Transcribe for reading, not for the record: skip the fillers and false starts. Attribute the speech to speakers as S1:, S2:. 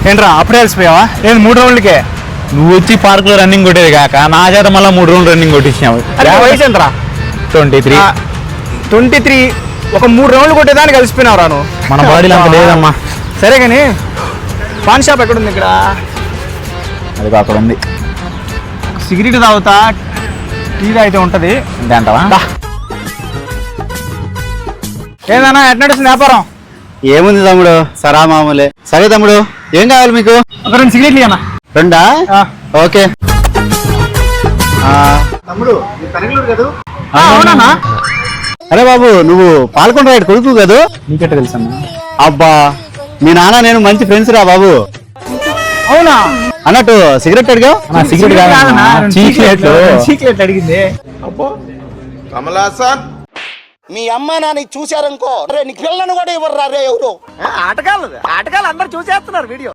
S1: ఏంట్రా అప్పుడే కలిసిపోయావా? నేను 3 రౌండ్లకే.
S2: నువ్వు వచ్చి పార్క్ లో రన్నింగ్ కొట్టేది కాక నా చేత మళ్ళీ 3 రౌండ్లు రన్నింగ్ కొట్టించావు.
S1: వయసు ఎంతరా?
S2: 23.
S1: 23. ఒక 3 రౌండ్లు కొట్టేదాన్ని కలిసిపోయినావు రాను.
S2: మన బాడీలో అంత లేదమ్మా.
S1: సరే కానీ పాన్ షాప్ ఎక్కడుంది ఇక్కడ?
S2: అది అక్కడ ఉంది.
S1: సిగరెట్ తాగుతా, టీ అయితే ఉంటది
S2: అంటావా?
S1: ఏదన్నా ఎట్ నడుస్తుంది వ్యాపారం?
S3: ఏముంది తమ్ముడు, సరా మామూలే. సరే తమ్ముడు, ఏం కావాలి మీకు?
S1: ఒక 2 సిగరెట్లు అన్న.
S3: 2? ఓకే.
S1: తమ్ముడు కదా? అవునా?
S3: అరే బాబు, నువ్వు పాల్గొండ రైడ్ కొడుకు కదా?
S2: నీకెట్ట తెలుసమ్మా?
S3: అబ్బా, మీ నాన్న నేను మంచి ఫ్రెండ్స్ రా బాబు.
S1: అవునా?
S3: అన్నట్టు సిగరెట్ అడిగా?
S2: సిగరెట్ కాదన్నా,
S1: చీక్లెట్ అడిగింది.
S4: అబ్బో కమలాసన్,
S5: మీ అమ్మ నాన్న చూశారనుకో, నీకు పిల్లను కూడా ఇవ్వరు రే ఎవరు.
S1: ఆటగాళ్ళు అందరు చూసేస్తున్నారు వీడియో.